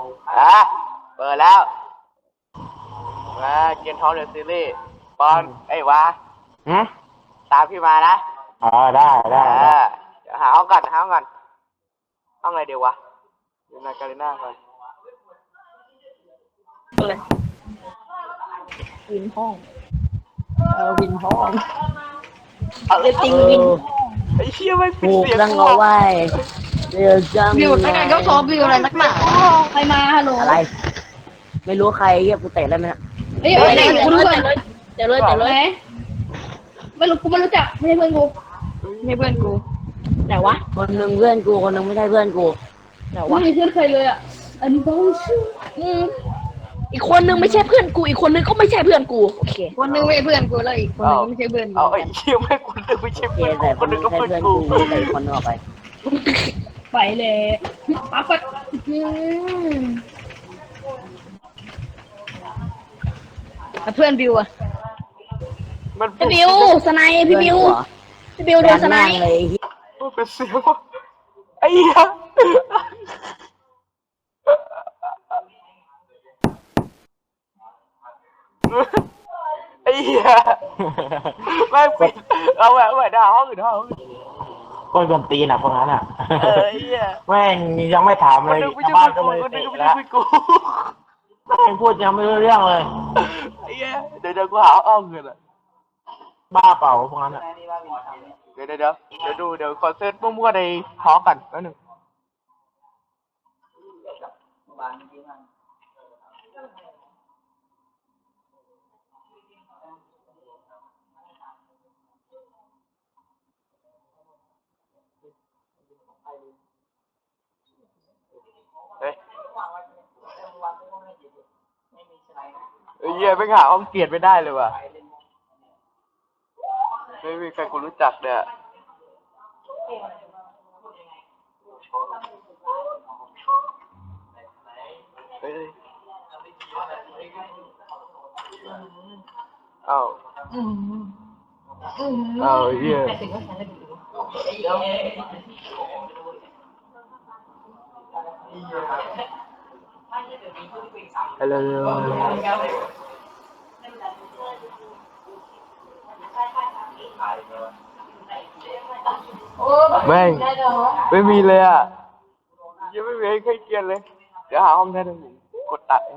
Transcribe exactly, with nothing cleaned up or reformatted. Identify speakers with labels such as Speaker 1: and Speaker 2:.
Speaker 1: อ่ะเปิดแล้วมาเกมท้องเดอะซีรีส์บอลไอ้วะ
Speaker 2: ฮะ
Speaker 1: ตามพี่มานะ
Speaker 2: อ๋อได้ได้
Speaker 1: อ่า
Speaker 2: ได้
Speaker 1: เดี๋ยวหาห้องก่อนหาห้องก่อนห้องอะไรเดี๋ยววะเดี๋ยวนาการีน่าก่อน
Speaker 3: เลยวินห้องเออวินห้องเออจริงวิน
Speaker 1: ไอ้เชี่ยไม่ปิด
Speaker 2: ถูก
Speaker 1: เสียง
Speaker 2: ตั้งเอาไว้เดี๋ยวจัง
Speaker 3: วิวตั้งไงก็ชอบวิวอะไรนักหนาใครมาฮัลโหล
Speaker 2: อะไร ไม่รู้ใครเฮียกูเตะได้ไหมนะ
Speaker 3: เฮ้ยเดี๋ยวกูรู้ก่อนเดี๋ยวเลยเดี๋ยวเลยไม่รู้กูไม่รู้จักไม่ใช่เพื่อนกูไม่ใช่เพื่อนกูแต่วะ
Speaker 2: คนหนึ่งเพื่อนกูคนหนึ่งไม่ใช่เพื่อนกู
Speaker 3: แต่วะไม่ใช่เพื่อนใครเลยอ่ะอันนี้ต้องชื่ออืมอีกคนนึงไม่ใช่เพื่อนกูอีกคนนึงก็ไม่ใช่เพื่อนกูโอเคคนนึงไม่ใช่เพื่อนกูแล้วอีกคนนึงไม่ใช่เพื่อนกู
Speaker 1: เอาไอ้เชี่ยไม่คนนึงไม่ใช่
Speaker 2: โอเค
Speaker 1: เพื่อนกู
Speaker 2: แต่
Speaker 1: ค
Speaker 2: คน น
Speaker 1: นึ
Speaker 2: นึ
Speaker 1: ง
Speaker 2: ง
Speaker 1: ก็
Speaker 2: ไม่ใช่
Speaker 1: เพื่อน
Speaker 2: เพื่อน
Speaker 1: กู
Speaker 2: กูแต่อีกคนนึงออกไป
Speaker 3: ไปเลยปั๊บปั๊บอืมเพื่อนบิวอะ
Speaker 1: มัน
Speaker 3: พี่บิวสไนป์พี่บิวพี่บิวโดนสไนป์
Speaker 2: เลย
Speaker 1: มันเป็นเสียงวะไอ้เหี้ยไอ้เหี้ยไม่ปิดเอาแหวนแหวนด่าห้องอื่นห้องอื่น
Speaker 2: ก้นกวนตีนอ่ะพวกนั้นอ่ะ
Speaker 1: เออไอ้เหี้ย
Speaker 2: แม่งยังไม่ถาม
Speaker 1: ค
Speaker 2: เล
Speaker 1: น
Speaker 2: ย
Speaker 1: นึงไม่
Speaker 2: ชาว
Speaker 1: ใช่
Speaker 2: บ้าน
Speaker 1: เพื่
Speaker 2: ก็
Speaker 1: อน
Speaker 2: เลย
Speaker 1: กูคนนึง
Speaker 2: เตะ
Speaker 1: ก็ไม่ใช่
Speaker 2: แล้ว
Speaker 1: เพื่อนกู
Speaker 2: แม่งพูดยังไม่รู้เรื่องเลย
Speaker 1: ไอ้เหี้ยเดี๋ยวเดี๋ยวกูหาห้องอื่นอ่ะ
Speaker 2: บ้าเปล่าพวกนั้นอ่ะ
Speaker 1: เดี๋ยวเดี๋ยวเดี๋ยวเดี๋ยวดูเดี๋ยวคอนเสิร์ตมั่วๆในฮอกันแป๊บนึงเฮ้ยไอ้เหี้ยไม่หาห้องเกียรติไม่ได้เลยว่ะไม่มีใครกูรู้จักเนี่ยเฮ้ยเอ้าเอ้าเหี้ยฮัลโหลแม่งไม่มีเลยอ่ะยังไม่มีให้ใครเกียนเลย เดี๋ยวหาห้องแท้หนึ่งกดตัด